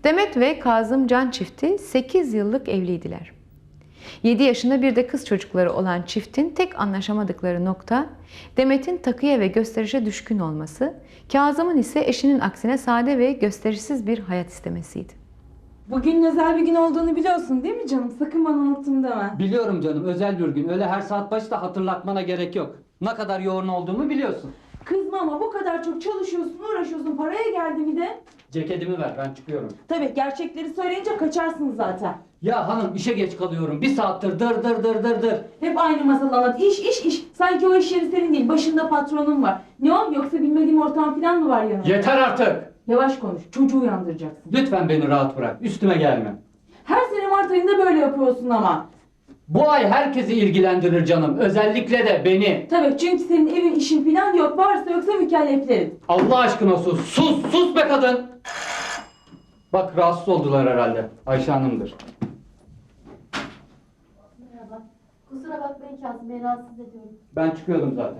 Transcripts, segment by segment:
Demet ve Kazım Can çifti 8 yıllık evliydiler. 7 yaşında bir de kız çocukları olan çiftin tek anlaşamadıkları nokta Demet'in takıya ve gösterişe düşkün olması, Kazım'ın ise eşinin aksine sade ve gösterişsiz bir hayat istemesiydi. Bugün özel bir gün olduğunu biliyorsun değil mi canım? Sakın bana unuttum deme. Biliyorum canım, özel bir gün. Öyle her saat başı da hatırlatmana gerek yok. Ne kadar yoğun olduğumu biliyorsun. Kızma ama bu kadar çok çalışıyorsun, uğraşıyorsun. Paraya geldi mi de? Ceketimi ver, ben çıkıyorum. Tabii gerçekleri söyleyince kaçarsın zaten. Ya hanım, işe geç kalıyorum. Bir saattir dır. Hep aynı masal anlat. İş. Sanki o iş yeri senin değil. Başında patronun var. Ne o? Yoksa bilmediğim ortağın falan mı var yanında? Yeter artık! Yavaş konuş. Çocuğu uyandıracaksın. Lütfen beni rahat bırak, üstüme gelme. Her sene Mart ayında böyle yapıyorsun ama. Bu ay herkesi ilgilendirir canım, özellikle de beni. Tabii çünkü senin evin işin falan yok. Varsa yoksa mükelleflerin. Allah aşkına sus, sus be kadın! Bak, rahatsız oldular herhalde. Ayşe Hanım'dır. Merhaba. Kusura bakmayın Kazım Bey, rahatsız ediyorum. Ben çıkıyordum zaten.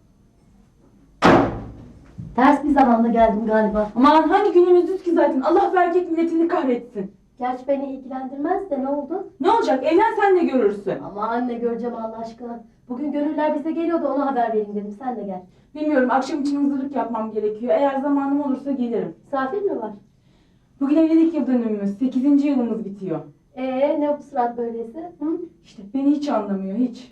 Ters bir zamanda geldim galiba. Aman hangi günümüzdüz ki zaten. Allah ve erkek milletini kahretsin. Gerçi beni ilgilendirmez de ne oldu? Ne olacak? Evlen sen de görürsün. Ama anne göreceğim Allah aşkına. Bugün gönüller bize geliyor da ona haber vereyim dedim. Sen de gel. Bilmiyorum, akşam için hazırlık yapmam gerekiyor. Eğer zamanım olursa gelirim. Misafir mi var? Bugün evlilik yıl dönümümüz. 8. yılımız bitiyor. Ne bu surat böylesi? Hı? İşte beni hiç anlamıyor, hiç.